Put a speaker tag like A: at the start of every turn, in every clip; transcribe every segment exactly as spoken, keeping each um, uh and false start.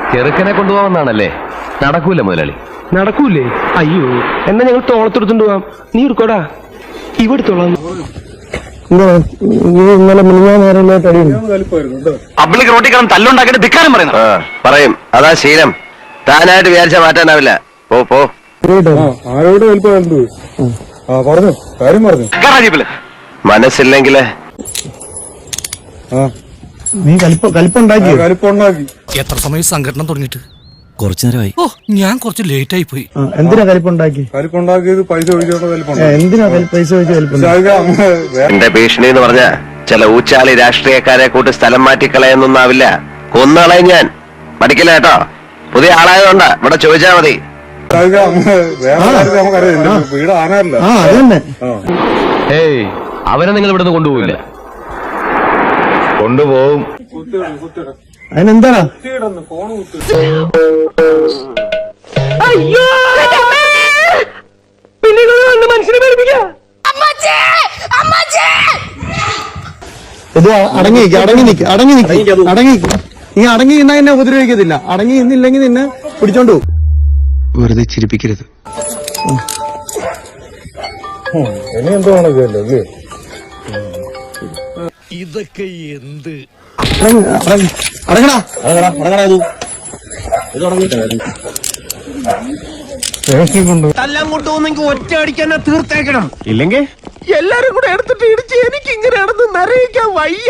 A: ചെറുക്കനെ കൊണ്ടുപോകാമെന്നാണല്ലേ? നടക്കൂല മുതലാളി.
B: നടക്കൂലേ? അയ്യോ, എന്നാ ഞങ്ങൾ തോളത്തെടുത്തോണ്ട് പോവാം. നീ എടുക്കോടാ, ഇവിടുത്തോളാം.
A: പബ്ലിക് റോട്ടിൽ കിടന്ന് തല്ലുണ്ടാക്കിയിട്ട് ധിക്കാരം പറയുന്നു. പറയും, അതാ ശീലം. താനായിട്ട് വിചാരിച്ച മാറ്റാനാവില്ല. പോ പോ.
C: ആരോട് പറഞ്ഞു കാര്യം പറഞ്ഞു.
A: മനസ്സില്ലെങ്കില്
C: നീ കലിപ്പുണ്ടാക്കി കലിപ്പുണ്ടാക്കി
D: എത്ര സമയം സംഘടന തുടങ്ങിയിട്ട്? കുറച്ചു നേരമായി. ഓ, ഞാൻ കുറച്ച് ലേറ്റ് ആയി പോയി.
C: എന്തിനാ കലിപ്പുണ്ടാക്കി? കലിപ്പുണ്ടാക്കിയത് പൈസ ഒഴിച്ചോണ്ട്. എന്തിനാ പൈസ ഒഴിച്ച്?
A: എന്റെ ഭീഷണി എന്ന് പറഞ്ഞ ചില ഊച്ചാളി രാഷ്ട്രീയക്കാരെ കൂട്ടി സ്ഥലം മാറ്റിക്കളയെന്നൊന്നാവില്ല. കൊന്നുകളയും ഞാൻ. പഠിക്കില്ല കേട്ടോ. പുതിയ ആളായതുകൊണ്ടാ. ഇവിടെ ചോദിച്ചാ മതി.
C: വീട് ആനല്ല.
A: ഏയ്, അവനെ നിങ്ങൾ ഇവിടുന്ന് കൊണ്ടുപോകില്ല. കൊണ്ടുപോകും.
C: അതിനെന്താ? ഇത് അടങ്ങി അടങ്ങി നിക്ക് അടങ്ങി നിക്ക് അടങ്ങി നീ അടങ്ങി നിന്നാ എന്നെ ഉപദ്രവിക്കത്തില്ല. അടങ്ങി നിന്നില്ലെങ്കിൽ നിന്നെ പിടിച്ചോണ്ടു.
D: വെറുതെ ചിരിപ്പിക്കരുത്.
C: ഇനി എന്തോ ആണല്ലേ?
D: ഇതൊക്കെ എന്ത്?
C: അടങ്ങടാ അടങ്ങടാ
B: തല്ലങ്ങോട്ട് പോകുന്നെങ്കിൽ ഒറ്റ അടിക്കാൻ തീർത്തേക്കണം. ഇല്ലെങ്കിൽ എല്ലാരും കൂടെ എടുത്തിട്ട് ഇടിച്ച് എനിക്ക് ഇങ്ങനെ നടന്ന് നിറയിക്കാൻ വയ്യ.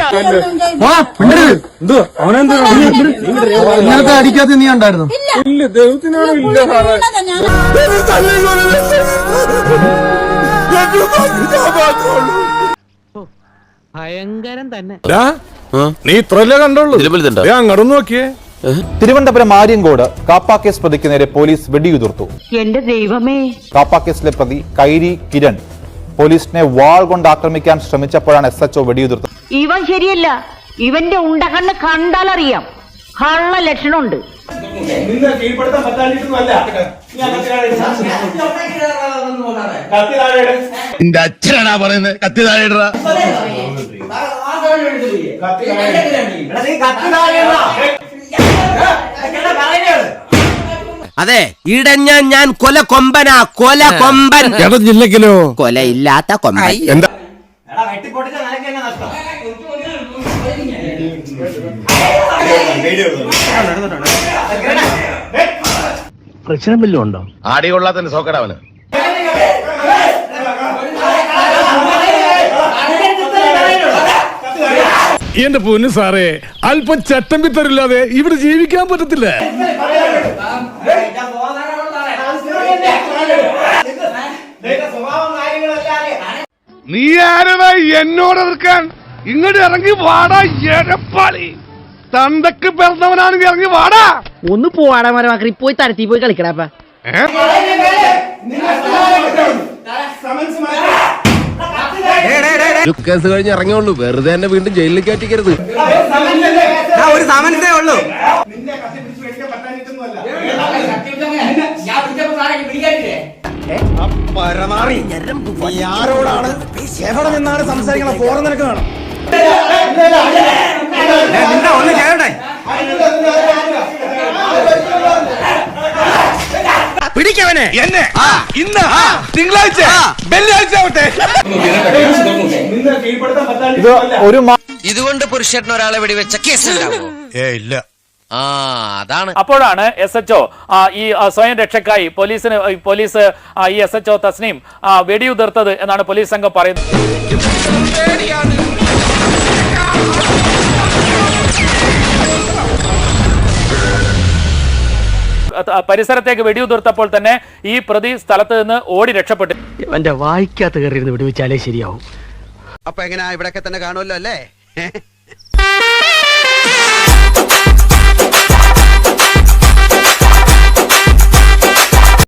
C: ഇന്നത്തെ അടിക്കാത്ത നീ ഉണ്ടായിരുന്നു? ഇല്ല, ദൈവത്തിനാണ്. ഇല്ല
B: ഭയങ്കരം തന്നെ.
C: നീ ഇത്രല്ലേ കണ്ടോളൂ? അങ്ങോട്ട് നോക്കിയേ.
E: തിരുവനന്തപുരം ആര്യങ്കോട് കാപ്പ കേസ് പ്രതിക്ക് നേരെ പോലീസ് വെടിയുതിർത്തു.
F: എന്റെ ദൈവമേ!
E: കാപ്പ കേസിലെ പ്രതി കൈരി കിരൺ പോലീസിനെ വാൾ കൊണ്ട് ആക്രമിക്കാൻ ശ്രമിച്ചപ്പോഴാണ് എസ് എച്ച് ഒ വെടിയുതിർത്തത്.
F: ഇവൻ ശരിയല്ല. ഇവന്റെ ഉണ്ടകണ്ണ് കണ്ടാലറിയാം. കള്ള ലക്ഷണമുണ്ട്.
A: അച്ഛനാ പറയുന്നത്. കത്തി താഴെ.
G: അതെ, ഇടഞ്ഞ ഞാൻ കൊല കൊമ്പനാ. കൊല കൊമ്പൻ.
C: ജില്ലക്കിലോ
G: കൊലയില്ലാത്ത കൊമ്പൻ.
C: എന്താ
B: പ്രശ്നം വല്ലതും ഉണ്ടോ?
A: ആടി കൊള്ളാത്തന്നെ സോക്കടാവന്.
C: എന്റെ പൊന്നു സാറേ, അല്പം ചട്ടമ്പിത്തരില്ലാതെ ഇവിടെ ജീവിക്കാൻ പറ്റത്തില്ല. നീ ആരടാ എന്നോട് എതിർക്കാൻ? ഇങ്ങോട്ട് ഇറങ്ങി വാടാ എരപ്പാളി. തന്തക്ക് പിറന്നവനാണെങ്കിൽ ഇറങ്ങി വാടാ.
B: ഒന്ന് പോവാടാ മരമാക്കി. പോയി തരത്തി പോയി കളിക്കടാപ്പ.
A: കേസ് കഴിഞ്ഞ് ഇറങ്ങിയുള്ളൂ. വെറുതെ തന്നെ വീണ്ടും ജയിലിൽ കയറ്റിക്കരുത്.
G: ഒരു സമൻസേ ഉള്ളൂ.
C: ആരോടാണ് എവിടെ നിന്നാണ് സംസാരിക്കണം? ഫോറം നിനക്ക് വേണം.
G: ഒന്ന് ചെയ്യട്ടെ. പിടിക്കവനെ എന്നെ. ഇന്ന് തിങ്കളാഴ്ച വെള്ളിയാഴ്ച ആവട്ടെ.
E: ഇത് ഒരു
G: ഇതുകൊണ്ട് പുരുഷന് ഒരാളെ വെടിവെച്ച കേസുണ്ടാവോ?
C: ഏ ഇല്ല.
G: ആ, അതാണ്.
H: അപ്പോഴാണ് എസ് എച്ച് ഒ ഈ സ്വയം രക്ഷക്കായി പോലീസിന് പോലീസ് ഈ എസ് എച്ച് ഒ തസ്നീം വെടിയുതിർത്തത് എന്നാണ് പോലീസ് സംഘം പറയുന്നത്. പരിസരത്തേക്ക് വെടിയുതിർത്തപ്പോൾ തന്നെ ഈ പ്രതി സ്ഥലത്ത് നിന്ന് ഓടി രക്ഷപ്പെട്ടു.
B: എന്റെ വായിക്കാത്ത കയറിയിരുന്ന് വെടിവെച്ചാലേ ശരിയാവും.
G: അപ്പൊ എങ്ങനെയാ? ഇവിടെയൊക്കെ തന്നെ കാണുമല്ലോ അല്ലേ?